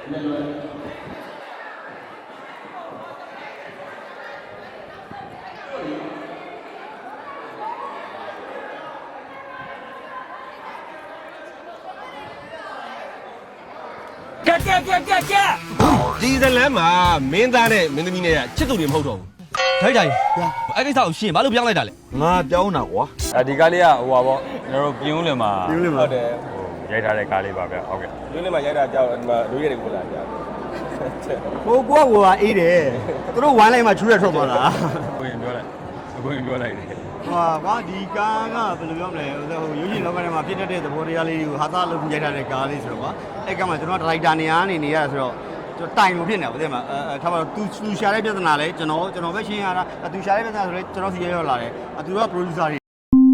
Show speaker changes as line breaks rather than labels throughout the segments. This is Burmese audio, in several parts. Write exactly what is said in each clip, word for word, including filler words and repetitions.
ကဲကဲကဲကဲကဲဒီဇလန်မှာမင်းသားနဲ့မင်းသမီးနဲ့ချစ်သူတွေမဟုတ်တော့ဘူးထိုက်တိုင်အဲ့ကိစ္စကိုရှင်းဘာလို့ပြောင်းလိုက်တာလဲ
ငါပြောင်းတာကွာ
အဲဒီကားလေးကဟိုပါပေါ့ကျွန်တော်တို့ပြင်းဦးလင်မှာ
ပြင်းဦးလင်မှာဟုတ်တယ်
ဟိုရိုက်ထားတဲ့ကားလေးပါဗျဟုတ်ကဲ့
ပြင်းဦးလင်မှာရိုက်တာကြောက်ဒီမှာလူရည်တွေကိုလာကြ
ဟိုကွာကွာအေးတယ်သူတို့ဝိုင်းလိုက်မှချူရထွက်သွားတာ
ကိုရင်ပြောလိုက်ကိုရင်ပြောလိုက်တယ်
ဟာကွာဒီကားကဘယ်လိုပြောမလဲဟိုရုပ်ရှင်လောကထဲမှာဖြစ်တတ်တဲ့သဘောတရားလေးတွေကိုဟာသားလုပ်ရိုက်ထားတဲ့ကားလေးဆိုတော့ကွာအဲ့ကမှကျွန်တော်ဒရိုက်တာနေရာနေနေရဆိုတော့ကျွန်တော်တိုင်လို့ဖြစ်နေပါဦးတဲ့မှာအဲထားပါတော့သူသူရှာတဲ့ပြဿနာလဲကျွန်တော်ကျွန်တော်ပဲရှင်းရတာသူရှာတဲ့ပြဿနာဆိုလဲကျွန်တော်စီရောက်လာတယ်သူက producer တွေ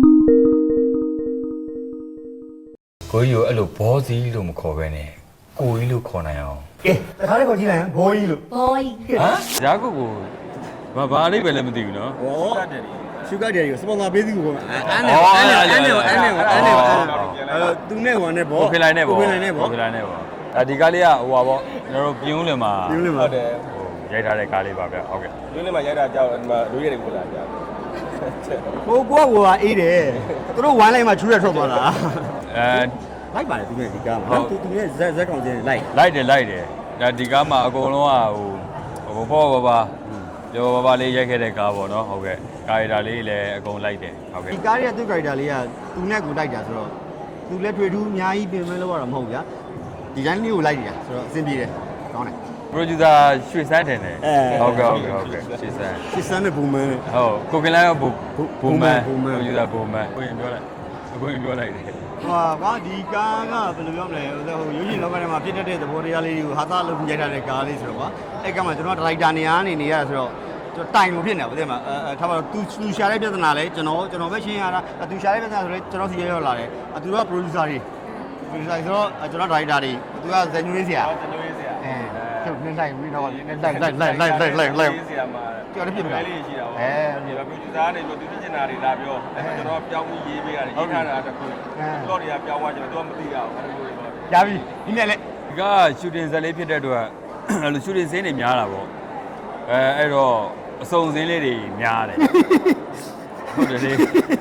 ကိုကြီးကိုအဲ့လိုဘောစီလို့မခေါ်ပဲနဲ့ကိုကြီးလို့ခေါ်နိုင်အောင်
ကဲတခါလေးခေါ်ကြည့်လိုက်ဘောကြီးလို့
ဘောကြီး
ဟမ်ဇာကုတ်ကိုဘာဘာလေးပဲလည်းမသိဘူးနော်
ဩရှုကတ်တယ်ကိုစပွန်ဆာပေးစီကိုအဲ့နဲ့အဲ့နဲ့အဲ့နဲ့အဲ့နဲ့အဲ့နဲ့အဲ့သူနဲ့ဟိုနဲ့ဘော
โอเคလိုက်နဲ့ဘော
โอเคလိုက်နဲ့ဘော
โอเคလိုက်နဲ့ဘောအဲဒီကားလေးကဟိုပါပေါ့ကျွန်တော်တို့ပြင်းဦးလင်မှာ
ပြင်းဦးလင်မှာဟုတ်တယ်
ဟိုရိုက်ထားတဲ့ကားလေးပါဗျဟုတ်ကဲ့
ပြင်းဦးလင်မှာရိုက်တာကြောက်ဒီမှာလူရည်တွေကိုလာကြ
ဟိုကွာကွာအေးတယ်သူတို့ဝိုင်းလိုက်မှချူရထွက်သွားတာ
အဲ
လိုက်ပါတယ်သူနဲ့ဒီကားမှာသူသူနဲ့ဇက်ဇက်ကောင်ချင်းလိုက်
လိုက်တယ်လိုက်တယ်ဒါဒီကားမှာအကုန်လုံးကဟိုဟိုဘောဘာဘာကျော်ဘာဘာလေးရိုက်ခဲ့တဲ့ကားပေါ့နော်ဟုတ်ကဲ့ကာရီတာလေးလည်းအကုန်လိုက်တယ်ဟုတ်ကဲ့
ဒီကားရဲ့သူ့ကာရီတာလေးကသူနဲ့ကိုလိုက်တာဆိုတော့သူလည်းတွေ့ထူးအများကြီးပြင်မဲ့လို့ရတာမဟုတ်ဗျာဒီတိုင်းလေးကိုလိုက်နေတာဆိုတော့အဆင်ပြေတယ်ကောင်းတယ်
producer ရွှေစန်းတယ်ဟုတ်ကဲ့ဟုတ်ကဲ့ဟုတ်ကဲ့ရွှေစန်း
ရွှေစန်းနဲ့ဘူမန်
ဟုတ်ကိုကင်လိုင်းကဘူဘူမန် producer ဘူမန်ကိုရင်ပြောလိုက်ကိုရင်ပြောလိုက်တယ်
ဟာကွာဒီကားကဘယ်လိုပြောမလဲဟိုရုပ်ရှင်လောကထဲမှာဖြစ်တတ်တဲ့သဘောတရားလေးတွေကိုဟာသားလုပ်ရိုက်ထားတဲ့ကားလေးဆိုတော့ကွာအဲ့ကမှကျွန်တော်ဒရိုက်တာနေရာနေနေရဆိုတော့ကျွန်တော်တိုင်လို့ဖြစ်နေပါဦးတဲ့မှာအဲထားပါတော့သူသူရှာတဲ့ပြဿနာလဲကျွန်တော်ကျွန်တော်ပဲရှင်းရတာသူရှာတဲ့ပြဿနာဆိုလဲကျွန်တော်စီရောက်လာတယ်သူက producer တွေ producer ဆိုတော့ကျွန်တော်ဒရိုက်တာတွေသူကဇန်နွေးဆရာ
ဇန်နွေးဆရာ
အဲချုပ်နေလိုက်ပြီးတော့နေလိုက်လိုက်လိုက်လိုက်လိုက်လိုက်လိုက်
ဆရာမှာ
ကျော်လည်းဖြစ်နေတာ
လေးရှိတာပေါ့အဲဒီ producer ကနေပြီးသူသိချင်တာတွေလာပြောအဲကျွန်တော်ပြောင်းပြီးရေးပေးရတယ်ရေးထားတာတခုတော့တွေကပြောင်းသွားကျွန်တော်မသိရအောင်အဲ့လိုလိုပေါ့
ရပြီဒီနေ့လေ
ဒီကရှူတင်ဇက်လေးဖြစ်တဲ့အတွက်အဲ့လိုရှူတင်စင်းတွေများတာပေါ့အဲအဲ့တော့အစုံစင်းလေးတွေများတယ်ဟုတ်တယ်လေ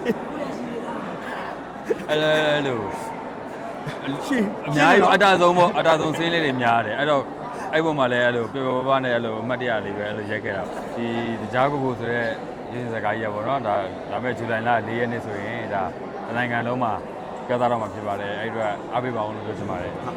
အဲ့လို
ရှင်
အများကြီးအတားဆုံးပေါ့အတားဆုံးစင်းလေးတွေများတယ်အဲ့တော့အဲ့ဘုံမှာလည်းအဲ့လိုပြပပနဲ့အဲ့လိုအမှတ်တရလေးပဲအဲ့လိုရိုက်ခဲ့တာဒီကြားကိုကိုဆိုတဲ့ရင်းစကားကြီးရပေါ့နော်ဒါဒါမဲ့ဇူလိုင်လ၄ရက်နေ့ဆိုရင်ဒါနိုင်ငံလုံးမှာပြသတော့မှာဖြစ်ပါတယ်အဲ့အတွက်အားပေးပါအောင်လို့ပြောချင်ပါတယ်